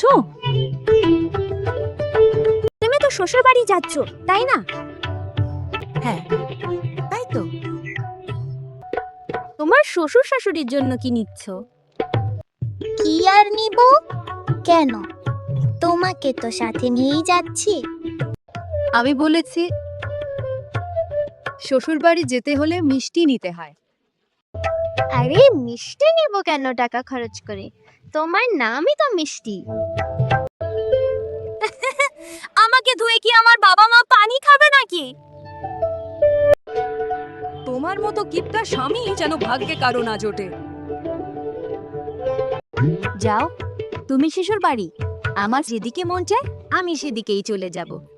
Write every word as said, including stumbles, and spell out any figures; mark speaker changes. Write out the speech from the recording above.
Speaker 1: বলছো?
Speaker 2: তুমি তো শ্বশুর বাড়ি যাচ্ছ, তাই না?
Speaker 1: হ্যাঁ, তাই তো।
Speaker 2: তোমার শ্বশুর শাশুড়ির জন্য কি নিচ্ছ?
Speaker 3: কি আর নিব? কেন, তোমাকে তো সাথে নিয়েই যাচ্ছি।
Speaker 1: আমি বলেছি শ্বশুর বাড়ি যেতে হলে মিষ্টি নিতে হয়।
Speaker 3: আরে মিষ্টি নেব কেন টাকা খরচ করে? তোমার নামই তো মিষ্টি।
Speaker 2: আমাকে ধুয়ে কি আমার বাবা মা পানি খাবে নাকি?
Speaker 1: তোমার মতো কিপটা স্বামী যেন ভাগ্যে কারো না জোটে।
Speaker 2: যাও, তুমি শ্বশুর বাড়ি। আমার যেদিকে মন চায় আমি সেদিকেই চলে যাব।